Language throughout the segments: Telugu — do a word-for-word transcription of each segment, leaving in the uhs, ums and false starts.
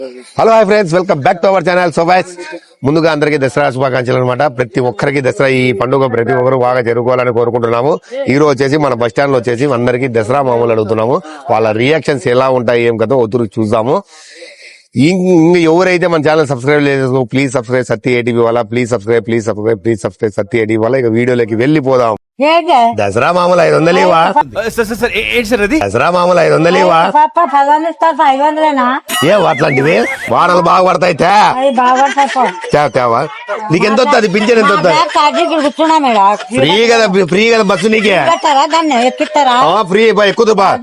Hello hi friends, welcome back to our channel. So guys, ముందుగా అందరికీ దసరా శుభాకాంక్షలు అనమాట. ప్రతి ఒక్కరికి దసరా ఈ పండుగ ప్రతి ఒక్కరు బాగా జరుపుకోవాలని కోరుకుంటున్నాము. ఈ రోజు వచ్చేసి మన బస్ స్టాండ్ లో వచ్చేసి అందరికీ దసరా మామూలు అడుగుతున్నాము. వాళ్ళ రియాక్షన్స్ ఎలా ఉంటాయి ఏం కదా వద్దు చూద్దాము. ఇంకా ఎవరైతే మన ఛానల్ సబ్స్క్రైబ్ లేదు ప్లీజ్ సబ్స్క్రైబ్ సత్తి ఏటీవీ వాళ్ళ please subscribe please subscribe please subscribe Satti ATV వాళ్ళ. ఇక వీడియోలోకి వెళ్ళిపోదాం. దసరా మామూలు ఐదు వందలు ఇవా దసరా మామూలు ఐదు వందలు ఇవా ఏ అట్లాంటివి వానలు బాగా పడతాయి తేవా. నీకు ఎంత వస్తుంది పింఛన్? ఎంత వస్తుంది? ఫ్రీ కదా ఫ్రీ కదా బస్సు నీకే ఫ్రీ ఎక్కువ బా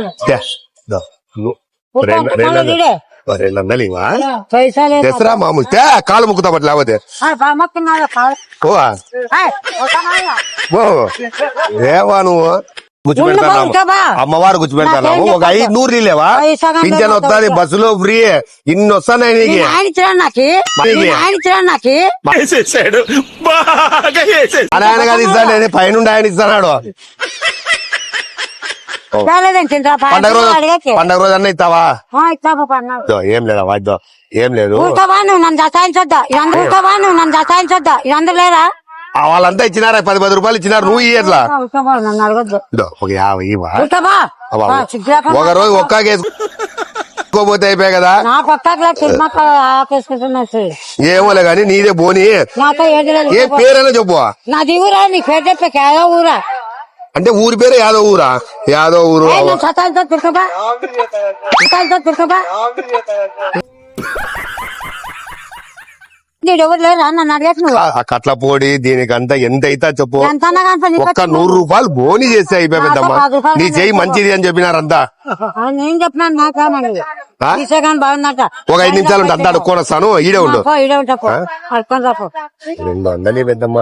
రెండు వందలు ఇవా దసరా మామూలు కాలు ముక్కుతా పట్ల లేకపోతే ఏవా నువ్వు గుర్చిపెడతాను అమ్మవారు గుర్చిపెడతాను. ఒక ఐదు నూరు నీళ్ళేవా పింఛన్ వస్తుంది బస్సులో ఫ్రీ ఇన్ని వస్తాయి నీకు. ఆయన కాదు ఇస్తాను పైన ఆయన ఇస్తాడు. పండగ రోజు పండగ రోజు అన్న ఇస్తావా? ఏం లేదా వాద్దో ఏం లేదు. నన్ను దసాయించొద్దా నువ్వు నన్ను దసాయించొద్దా ఇదందరూ లేరా? వాళ్ళంతా ఇచ్చినారా? పది పది రూపాయలు ఇచ్చినారు. నువ్వు ఇట్లా ఒక యాభై ఇవా ఒక రోజు ఒక్కాకేసుకోపోతే అయిపోయాయి కదా. ఏమోలే గాని నీదే బోని. ఏ పేరైనా చెప్పు. నాది ఊరా? నీ పేరు చెప్పే కేదో ఊరా అంటే ఊరి పేరు యాదవ్ ఊరా? యాదవ్ ఊరు కట్ల పొడి దీనికంతా ఎంత అయితే చెప్పు. ఒక్క నూరు రూపాయలు బోని చేస్తే అయిపోయి పెద్దమ్మా. నీ చెయ్యి మంచిది అని చెప్పినారంతా. నేను చెప్పినాను ఒక ఐదు నిమిషాలు ఉంటే అంతా అడుక్కొని వస్తాను. ఈడే ఉండు. రెండు వందలు పెద్దమ్మా.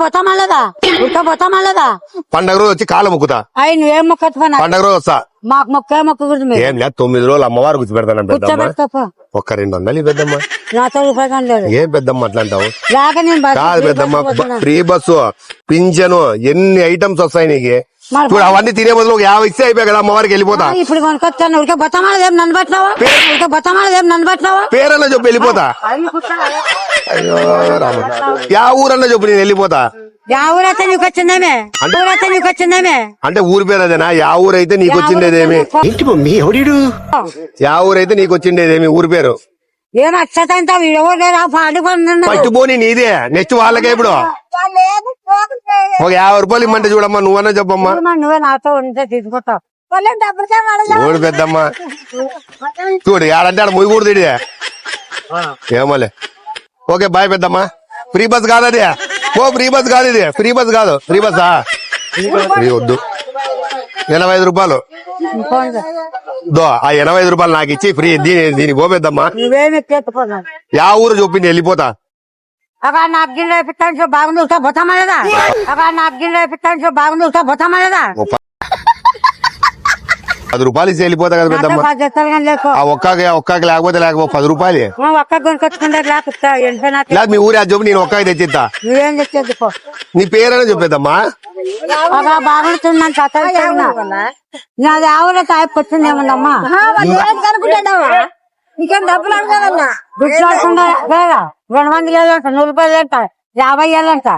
పండగ రోజు వచ్చి కాళ్ళ మొక్కుతా. నువ్వేం మొక్క పండగ రోజు వస్తా. మాకు మొక్క మొక్కకూడదు. ఏం లేదు తొమ్మిది రోజులు అమ్మవారు కూర్చోబెడతాను పెద్దమ్మా. ఒక్క రెండు వందలు పెద్దమ్మా. నాతో రూపాయలు లేదు. ఏం పెద్దమ్మ అట్లా అంటావు? కాదు పెద్దమ్మ, ఫ్రీ బస్సు పింఛను ఎన్ని ఐటమ్స్ వస్తాయి నీకు. ఇప్పుడు అవన్నీ తినే బదులు ఒక యాభై ఇస్తే అయిపోయి కదా అమ్మవారికి వెళ్ళిపోతా. ఇప్పుడు కొనుకొచ్చాను ఉడికే బొత్తమాలదేం నన్ను పట్టినావా? ఉడికే బొత్తమాలదేం నన్ను పట్టినావా? పేరన్నా చెప్పు వెళ్ళిపోతా. అయ్యో రామ, యా ఊరన్నా చెప్పు నేను వెళ్ళిపోతా. యా ఊరైతే నీకు వచ్చిందేమే? ఊరైతే నీకు వచ్చిందేమే? అంటే ఊరి పేరు అదేనా? యా ఊరైతే నీకు వచ్చిండేదేమి? యా ఊరైతే నీకు వచ్చిండేదేమి ఊరి పేరు? ఏం అచ్చతంతా పట్టుపోని నీదే. నెక్స్ట్ వాళ్ళకే ఇప్పుడు ఒక యాభై రూపాయలు ఇమ్మంటే చూడమ్మా. నువ్వన్నా చెప్పమ్మా. నువ్వే నాతో ఉంటే తీసుకుంటావు. చూడు పెద్దమ్మా చూడు ఆడంటే ఆడ ముయ్యకూడదు ఇదే. ఏమోలే. ఓకే బాయ్ పెద్దమ్మా. ఫ్రీ బస్ కాదు అది. ఓ ఫ్రీ బస్ కాదు ఇది. ఫ్రీ బస్ కాదు. ఫ్రీ బస్సా? ఫ్రీ వద్దు. ఎనభై ఐదు రూపాయలు దో ఆ ఎనభై ఐదు రూపాయలు నాకు ఇచ్చి ఫ్రీ దీని దీనికి పోపెద్దమ్మా. యా ఊరు చూపింది వెళ్ళిపోతా. నాకు గిన్నె వేపిస్తాను బాగుంది బొత్తమలేదా? నాకు గిన్నె వేపిస్తాను బాగుంది బొత్తమలేదా? పది రూపాయలు ఇచ్చి వెళ్ళిపోతా కదా పెద్దమ్మ. ఒక్కకి ఒక్కకి లేకపోతే లేకపోతే పది రూపాయలు ఒక్క కొనుకొచ్చుకుంటే లేదు. మీ ఊరి అది చెప్పు నేను ఒక్కకి తెచ్చిస్తా. నువ్వేం తెచ్చేది? నీ పేరైనా చెప్పేద్దమ్మా. బాగుంటున్నాను నాది ఆవుల తాయి వచ్చిందేమన్నమ్మా. నీకేం డబ్బులు అడగాలన్నా గుడ్లు ఆడుకుంటా రెండు మంది వేలంట నూరు రూపాయలు వేలంట యాభై వేలంట.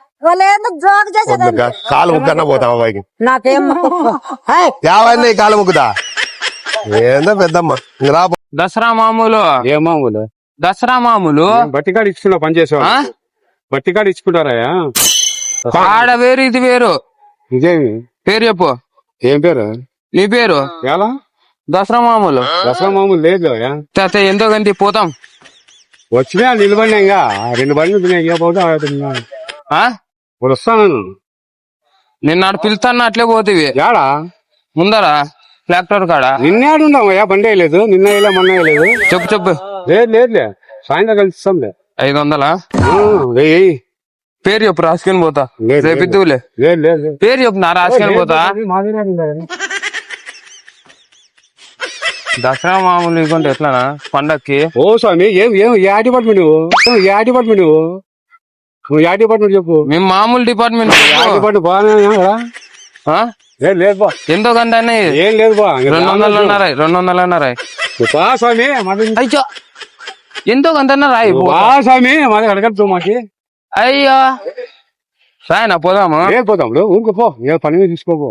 కాలు ముక్కన్నా పోతా అబ్బాయికి. నాకేం యాభై కాలు ముక్కుతా. ఏందో పెద్దమ్మ రా. దసరా మామూలు ఏ మామూలు? దసరా మామూలు బట్టికాడు ఇచ్చుకున్నా పని చేసేవా? బట్టికాడు ఇచ్చుకుంటారా? ఆడ వేరు ఇది వేరు. ఇదేమి పేరు చెప్పు. ఏం పేరు? నీ పేరు ఎలా? దసరా మామూలు. దసరా మామూలు లేదు. ఎంతో గంటి పోతాం. వచ్చినా నిలబడినా ఇంకా రెండు బండ్లు వస్తాను. నిన్న పిలుస్తాను అట్లే పోతేవి. యాడా? ముందరా ట్రాక్టర్ కాడ. నిన్నేడున్నావయ్యా? బండి వేయలేదు. నిన్న వేయలే మొన్న వేయలేదు. చెప్పు చెప్పు. లేదు లేదులే సాయంత్రం కలుస్తాంలే. ఐదు వందలా? వెయ్యి. పేరు చెప్పు రాసుకొని పోతా. రేపిద్దులే. లేదు లేదు పేరు చెప్పు నా రాసుకొని పోతా. దసరా మామూలు ఇవ్వండి ఎట్లానా పండక్కి? ఓ స్వామి ఏం ఏం ఏ డిపార్ట్మెంట్ నువ్వు? ఏ డిపార్ట్మెంట్ నువ్వు? నువ్వు ఏ డిపార్ట్మెంట్ చెప్పు. మేము మామూలు డిపార్ట్మెంట్. డిపార్ట్మెంట్ బాగానే లేదు బా. ఎంతో గంట ఏం లేదు బా. రెండు వందలు అన్నారా? రెండు వందలు అన్నారా? స్వామి ఎంతో కొంత రాయి పో. వా స్వామి మాది అడగద్దు మాకి అయ్యో రాయనా పోదాము ఏం పోతాం ఊరుకు పో ఏ పని మీద తీసుకోపో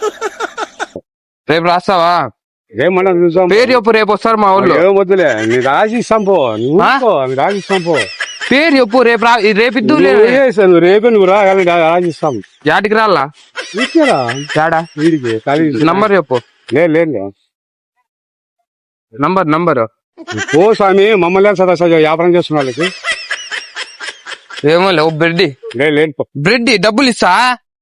రేపు రాస్తావా ఏమన్నా చూసాం పేరు చెప్పు రేపు వస్తారు మా ఊళ్ళో ఏం వద్దులే నీ రాసి ఇస్తాం పో నువ్వు ఊరుకో, నీ రాసి ఇస్తాం పో పేరు చెప్పు రేపు రా రేపు ఇద్దులే నువ్వు చేసావు, నువ్వు రేపే నువ్వు రా కానీ రాసి ఇస్తాం యాటికి రాలా ఇచ్చారా యాడా వీడికి ఖాళీ నంబర్ చెప్పు లేదు లేదు నంబర్ నంబర్ పో స్వామి మమ్మల్ని సదా సదా వ్యాపారం చేస్తున్న వాళ్ళకి ఏమో లేవు బ్రెడ్ లేదు లేదు పో బ్రెడ్ డబ్బులు ఇస్తా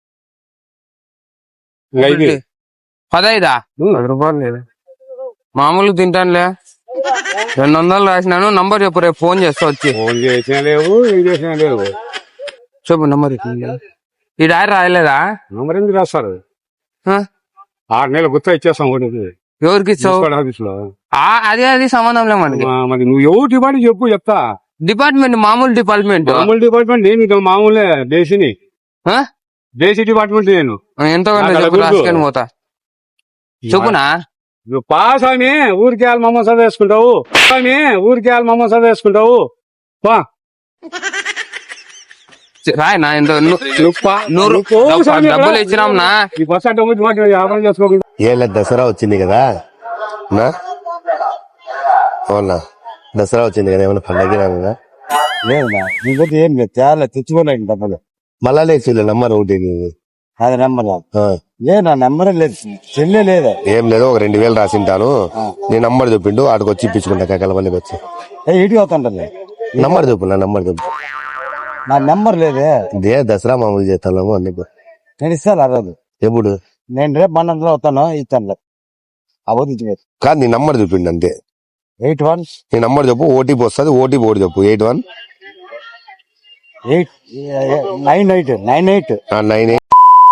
ఇంకా ఇది పదైదా ఉమ్. పది రూపాయలు లేదు మామూలుగా తింటానులే రెండు వందలు రాసినాను నంబర్ చెప్పు రేపు ఫోన్ చేస్తా వచ్చి ఫోన్ చేసినా లేవు ఏం చేసినా లేవు చెప్పు నంబర్ ఈ డాయర్ రాయలేదా నంబర్ ఎందుకు రాస్తారు ఆ? ఆరు నెలలు గుర్తు ఇచ్చేస్తాం ఒకటి ఎవరికి ఇచ్చావు ఆఫీస్ లో ఆ, అదే అది సంబంధం లే మనకి మరి నువ్వు ఎవరు డిపార్ట్మెంట్ చెప్పు చెప్తా డిపార్ట్మెంట్ మామూలు డిపార్ట్మెంట్ మామూలు డిపార్ట్మెంట్ నేను ఇక మామూలే దేశీని ఆ? దేశీ డిపార్ట్మెంట్ నేను ఎంతో కొంత నాకు చెప్పు అలా గుర్తు. రాసుకొని పోతా చెప్పునా నువ్వు పాస్ అని ఊరికి వెళ్ళి మమ్మ చదివేసుకుంటావు అని ఊరికి వెళ్ళి మమ్మ చదివేసుకుంటావు పా రాయనా ఎంతో ను- నువ్వు పా. నూరు నువ్వు పో డబ్బు- స్వామి డబ్బులు ఇక్కడ. ఇచ్చినాం నా ఈ బస్ అడ్డం వచ్చి మాకు వ్యాపారం చేసుకోకుండా ఏళ్ళ దసరా వచ్చింది కదా నా అవునా దసరా వచ్చింది కదా ఏమైనా పండగ రాగా లేదునా నీకు ఏం లేదు చాలా తెచ్చుకోలేండి డబ్బులు మళ్ళా లేచి నంబర్ ఒకటి నీది. అది నెంబర్ ఆ, ఏ నా నెంబర్ లేదు చెల్లె లేదా ఏం లేదు ఒక రెండు వేలు రాసింటాను నీ నంబర్ చెప్పిండు ఆడికి వచ్చి ఇప్పించుకుంటా కలపల్లికి వచ్చి ఏ ఇటుకి అవుతుంటలే నంబర్ చెప్పు నా నంబర్ చెప్పు నా నెంబర్ లేదే ఇదే దసరా మామూలు చేస్తాము అందుకు నేను ఇస్తాను ఆ రోజు ఎప్పుడు నేను రేపు మనంలో వస్తాను ఇస్తాను అవద్దు కాదు నీ నంబర్ చెప్పిండు అంతే ఎయిట్ వన్ నీ నంబర్ చెప్పు ఓటీపీ వస్తుంది ఓటీపీ ఒకటి చెప్పు eight one eight nine eight nine eight nine eight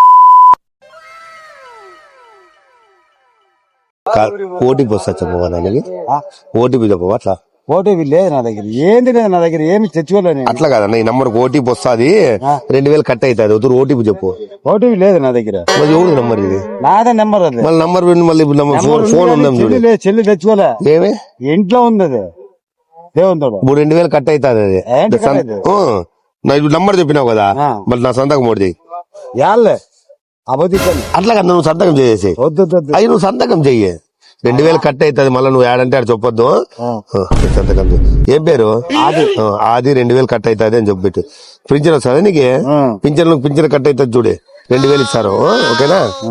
OTP వస్తా చెప్పవా నాకు ఓటీపీ చెప్పవా అట్లా ఓటీపీ లేదు నా దగ్గర ఏంది లేదు నా దగ్గర ఏమి తెచ్చుకోలేదు నేను అట్లా కాదన్న ఈ నంబర్ ఓటీపీ వస్తుంది రెండు వేలు కట్ అవుతుంది వద్దు ఓటీపీ చెప్పు ఓటీపీ లేదు నా దగ్గర మరి ఎవరు నంబర్ ఇది నాదే నెంబర్ అది మళ్ళీ నంబర్ పెట్టి మళ్ళీ ఇప్పుడు నంబర్ ఫోన్ ఫోన్ ఉందాం చూడు చెల్లి లేదు, చెల్లి తెచ్చుకోలే ఏమే ఇంట్లో ఉంది అది దేవుంతోడు ఇప్పుడు రెండు వేలు కట్ అవుతుంది అది ఏంటి cut అవుతుంది? ఆ, నా ఇప్పుడు నంబర్ చెప్పినావు కదా ఆ. మళ్ళీ నా సంతకం ఒకటి చెయ్యి యాళ్ళే అబద్ధించాను అట్లా కదా నువ్వు సంతకం చేసేసి వద్దు వద్దు, వద్దు అవి నువ్వు సంతకం చెయ్యి రెండు వేలు కట్ అవుతుంది మళ్ళీ నువ్వు యాడంటే ఆడ చెప్పొద్దు ఆ. ఆ, సంతకం చెయ్యి. ఏం పేరు ఆది ఆది రెండు వేలు కట్ అవుతుంది అని చెప్పిట్టు పింఛన్ వస్తుంది నీకు ఆ. పింఛన్ పింఛన్ కట్ అవుతుంది చూడు రెండు వేలు ఇస్తారు ఆ, ఓకేనా ఆ.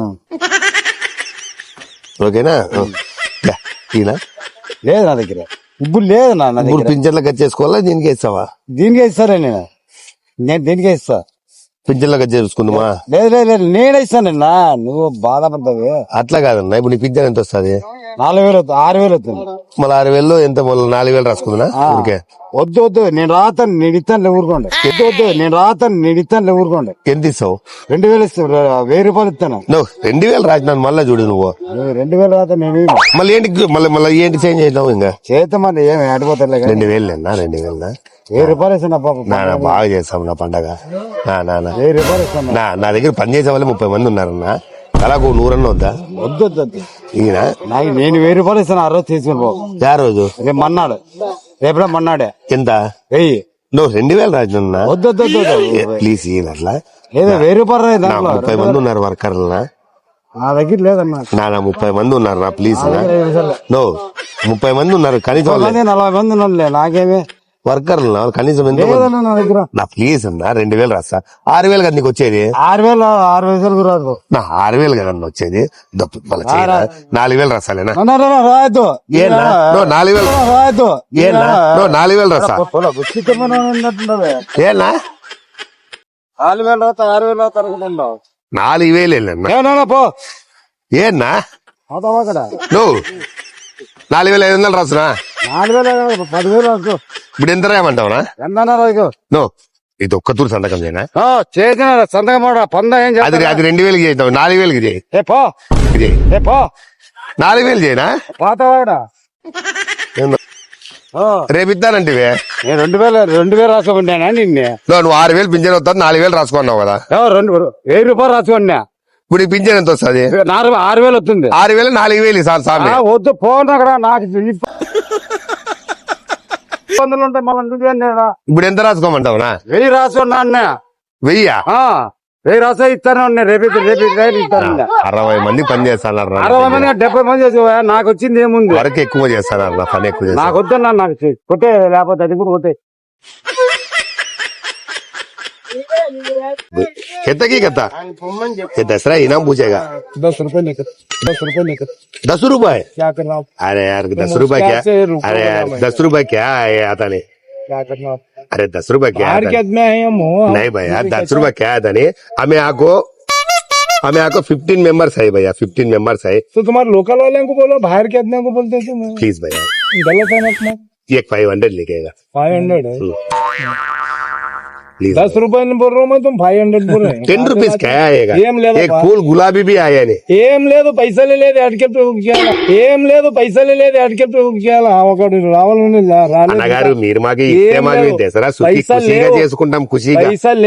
ఓకేనా ఆ. యా, ఈయన లేదు నా దగ్గర ఇప్పుడు లేదు నా నా ఇప్పుడు దగ్గర పింఛన్లో కట్ చేసుకోవాలా దీనికి ఇస్తావా దీనికే ఇస్తారా నేను నేను దీనికే ఇస్తా పింఛన్లో కట్ చేసుకుందామా లేదు లేదు లేదు నేనే ఇస్తాను నిన్న నువ్వు బాధపడతావు అట్లా కాదన్నా ఇప్పుడు నీ పింఛన్ ఎంత వస్తుంది నాలుగు వేలు అవుతుంది ఆరు వేలు అవుతుంది మళ్ళీ ఆరు వేలు ఎంత మళ్ళీ నాలుగు వేలు రాసుకుందా ఓకే వద్దు వద్దు నేను రాతాను నేను ఇస్తాను ఊరుకోండి వద్దు వద్దు నేను రాతాను నేను ఇస్తాను ఊరుకోండి ఎంత ఇస్తావు రెండు వేలు ఇస్తాను వెయ్యి రూపాయలు ఇస్తాను నువ్వు రెండు వేలు రాసినాను మళ్ళీ చూడు నువ్వు నువ్వు రెండు వేలు రాతా నేను ఇయ్యను. మళ్ళీ ఏంటి మళ్ళీ మళ్ళీ ఏంటి చేంజ్ చేసినావు ఇంకా చేత మరి ఏమి ఆడిపోతారులే కానీ రెండు వేలు నా రెండు వేలు వెయ్యి రూపాయలు ఇస్తాను పాప నా నా బాగా చేస్తాం నా పండగ నా నా నా వెయ్యి రూపాయలు ఇస్తాను నా నా దగ్గర పని చేసే వాళ్ళు ముప్పై మంది ఉన్నారన్న అలాగో నూరన్న వద్దా వద్దు వద్దు వద్దు ఈయన నాకు నేను వెయ్యి రూపాయలు ఇస్తాను ఆ రోజు తీసుకుని పో యా రోజు రేపు మన్నాడు రేపు మన్నాడే ఎంత వెయ్యి నువ్వు రెండు వేలు రాసినా వద్దు వద్దు వద్దు వద్దు ప్లీజ్ ఈయన అట్లా ఏదో వెయ్యి రూపాయలు రాయి నా దాంట్లో ముప్పై మంది ఉన్నారు వర్కర్లు నా నా దగ్గర లేదన్నా నా నా ముప్పై మంది ఉన్నారు నా ప్లీజ్ నో ముప్పై మంది ఉన్నారు కనీసం వాళ్ళే. మంది నలభై మంది ఉన్నారులే నాకేమి వర్కర్లు నా వాళ్ళకి కనీసం ఎంత మంది? లేదన్నా నా దగ్గర నా ప్లీజ్ అన్న రెండు వేలు రాస్తా ఆరు వేలు కదా నీకు వచ్చేది ఆరు వేలు ఆరు వేలు రాదు నా ఆరు వేలు కదా అన్న వచ్చేది దప్పు మళ్ళీ చేయరా? నాలుగు వేలు రాసాలేనా రాయద్దు ఏనా నో నాలుగు వేలు రాయద్దు ఏనా నో నాలుగు వేలు రాస్తా ఏనా నాలుగు వేలు రాత ఆరు వేలు రాత అనుకుంటున్నావు నాలుగు వేలు వెళ్ళన్నా ఏనా పో ఏనా అవుతావా అక్కడ నువ్వు నాలుగు వేల ఐదు వందలు రాసునా నాలుగు వేలు పదివేలు రాదు ఇప్పుడు ఎంత రాయమంటావునా ఎంత రాదు నో ఇది ఒక్క తూరు సంతకం చేయనా చేసిన సంతకం మాట పొంద ఏం అది చేస్తా అది రెండు వేలకి చేద్దాం నాలుగు వేలకి చేయి ఏ పో చేయి ఏ పో నాలుగు వేలు చేయనా పోతావా ఇక్కడ ఏందో. రేపు ఇద్దానంటే నేను రెండు వేలు రెండు వేలు రాసుకోమన్నానా నిన్నే నువ్వు ఆరు వేలు పింఛన్ వస్తుంది నాలుగు వేలు రాసుకున్నావు కదా ఏమో రెండు వెయ్యి రూపాయలు రాసుకోండి ఇప్పుడు ఈ పింఛన్ ఎంత వస్తుంది నాలుగు ఆరు వేలు వస్తుంది ఆరు వేలు నాలుగు వేలు సార్ సార్ ఆ, వద్దు పోను అక్కడ నాకు ఇప్ప- వందలు ఉంటాయి మళ్ళీ ఇప్పుడు ఎంత రాసుకోమంటావునా? వెయ్యి రాసుకున్నా అన్న వెయ్యా? ఆ, వెయ్యి రాసా ఇస్తాను అన్న రేపు రేపు రేపు ఇస్తాను. అరవై మంది పని చేస్తాను అరవై మంది డెబ్బై మంది చేసేవా? నాకు వచ్చింది ఏముంది? వరకు ఎక్కువ చేస్తాను పని ఎక్కువ చేస్తాను. నాకు వద్దన్నా, నాకు చెయ్యి. కొట్టే లేకపోతే అది కూడా కొట్టే. कितना की कहता ये दसरा इनाम पूछेगा दस रुपए लेकर दस रुपए लेकर दस रुपए क्या करना आप? अरे यार दस रुपए क्या अरे यार दस रुपए क्या है आता नहीं क्या करना आप? अरे दस रुपए क्या बाहर आता के आदमी है हम हो नहीं भैया दस रुपए क्या आता नहीं हमें आपको हमें आपको फिफ्टीन मेंबर्स है भैया फिफ्टीन मेंबर्स है तो तुम्हारे लोकल वाले को बोलो, बाहर के आदमी को बोलते तुम प्लीज भैया गलत है ना अपना. एक फाइव हंड्रेड लिखेगा फाइव हंड्रेड है. प्लीज दस रुपए नहीं बोल रहा हूँ मैं, तुम फाइव हंड्रेड बोल रहे हैं. टेन रुपीज क्या आएगा ఏం లేదు एक फूल गुलाबी भी आया नहीं ఏం లేదు, పైసలు లేదు, అడికెట్టు ఏం లేదు, పైసలు లేదు, అడికెట్టు ఒకడు రావాలని రాలేదు. అన్నగారు మీరు మాకు ఇస్తే మాకు లేవు. దసరా సుఖీ పైసలు ఖుషిగా లేవు. చేసుకుంటాం ఖుషిగా పైసలు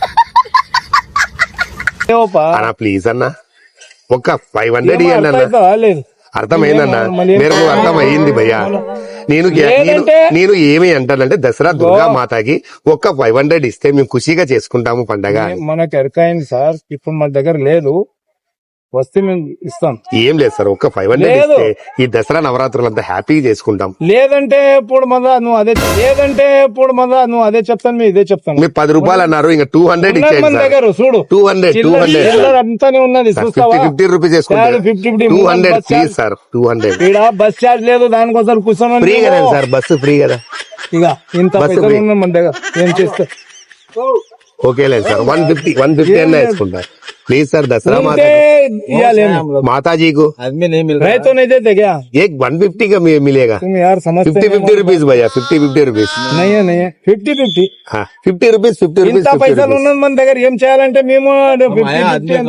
లేవుపా. అన్న ప్లీజ్ అన్న ఒక్క ఫైవ్ హండ్రెడ్ ఏమో ఇవ్వండి అర్థం అన్న అవుతుందా? లేదు అర్థమైందన్న మళ్ళీ ఏం మేరకు అర్థం అయ్యింది భయ్యా నేను నేను లేదంటే- నేను ఏమి అంటానంటే దసరా దుర్గా మాతకి ఒక్క ఫైవ్ హండ్రెడ్ ఇస్తే మేము ఖుషిగా చేసుకుంటాము పండగ అని. మనకు ఎరకైంది సార్, ఇప్పుడు మన దగ్గర లేదు, వస్తే మేము ఇస్తాం. ఏం లేదు సార్ ఒక్క ఫైవ్ హండ్రెడ్ లేదు. ఇస్తే ఈ దసరా నవరాత్రులు అంతా హ్యాపీగా చేసుకుంటాం. లేదంటే ఇప్పుడు మళ్ళా నువ్వు అదే లేదంటే ఇప్పుడు మళ్ళా నువ్వు అదే చెప్తాను, మేము ఇదే చెప్తాను. మీరు పది రూపాయలు అన్నారు ఇంకా టూ హండ్రెడ్ ఉన్నది ఇచ్చేయండి మన సార్ దగ్గర చూడు, టూ హండ్రెడ్ టూ చిల్లర హండ్రెడ్ చిల్లర అంతానే ఉన్నది, ఫిఫ్టీ చూస్తావా? ఫిఫ్టీ రూపీస్ వేసుకుంటారు fifty fifty two hundred bus please charge. Sir two hundred ఈడ బస్ ఛార్జ్ లేదు, దానికోసం కూర్చొని ఫ్రీ కదా సార్ బస్సు ఫ్రీ కదా ఇక ఇంత బస్సు పైసలు ఫ్రీ. ఉన్నాయి మన దగ్గర, ఏం చేస్తా? ఓకే లేదు sir one fifty one fifty అన్న వేసుకుంటారు ప్లీజ్ సార్ దసరా ఉంటే మాతా ఇయ్యాలి. माता जी को రైతు नहीं देते क्या एक वन फिफ्टी का मी- मिलेगा तुम यार समझते फिफ्टी नहीं फिफ्टी रुपीज भैया फिफ्टी फिफ्टी रुपीज नहीं है नहीं है ఫిఫ్టీ ఫిఫ్టీ हाँ फिफ्टी रुपीज फिफ्टी रुपीज ఇంత పైసలు ఉన్నది మన దగ్గర, ఏం చేయాలంటే మేము ఫిఫ్టీ ఫిఫ్టీ ఎంత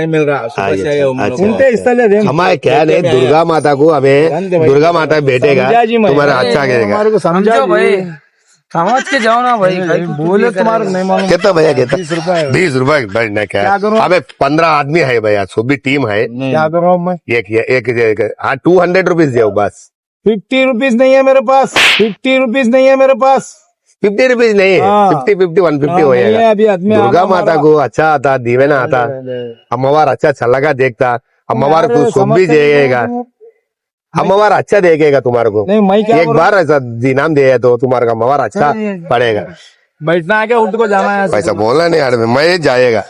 ఉంటే ఇస్తలేదు. ఏం हमारे क्या है दुर्गा माता को हमें दुर्गा माता बेटेगा समझा जी मैं। तुम्हारा अच्छा करेगा हमारे को समझा समझो भाई, समझ के जाओ ना भाई. बोले तुम्हारे नहीं मालूम. कितना भैया कितना बीस रुपए है. बीस रुपए भाई ना क्या क्या करूं? हमें पंद्रह आदमी है भैया सो भी टीम है क्या कर रहा हूँ मैं? एक एक एक हाँ टू हंड्रेड रुपीज दो बस फिफ्टी रुपीज नहीं है मेरे पास, फिफ्टी रुपीज नहीं है मेरे पास. फिफ्टी रुपीज नहीं हाँ। फिफ्टी फिफ्टी वन फिफ्टी हाँ, हो नहीं है, जाएगा अभी आदमी दुर्गा आना माता हमारा- को अच्छा आता दीवेना आता अम्मवार अच्छा चलगा देखता अम्मवार यार, को शुभ भी समझते नहीं देगा हो। अम्मवार अच्छा देखेगा तुम्हारे को नहीं मैं क्या एक करूं? बार ऐसा इनाम दे तो तुम्हारे का अम्मवार अच्छा पड़ेगा बैठना है क्या, उठ को जाना है? पैसा बोलना नहीं यार मैं जाएगा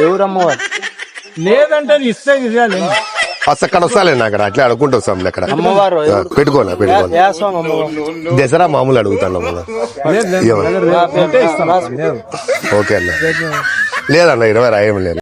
లేదంటే ఇస్తే ఇవ్వాలి. అక్కడ వస్తాలేండి అక్కడ అట్లా అడుక్కుంటూ వస్తాం అక్కడ పెట్టుకోనా పెట్టుకోనా దసరా మామూలు అడుగుతాను మనం లేదు, లేదు, ఏమన్నా? లేదు, ఉంటే ఇస్తాను. లేదు. ఓకే అన్న లేదన్న ఇరవై రాయం లేదు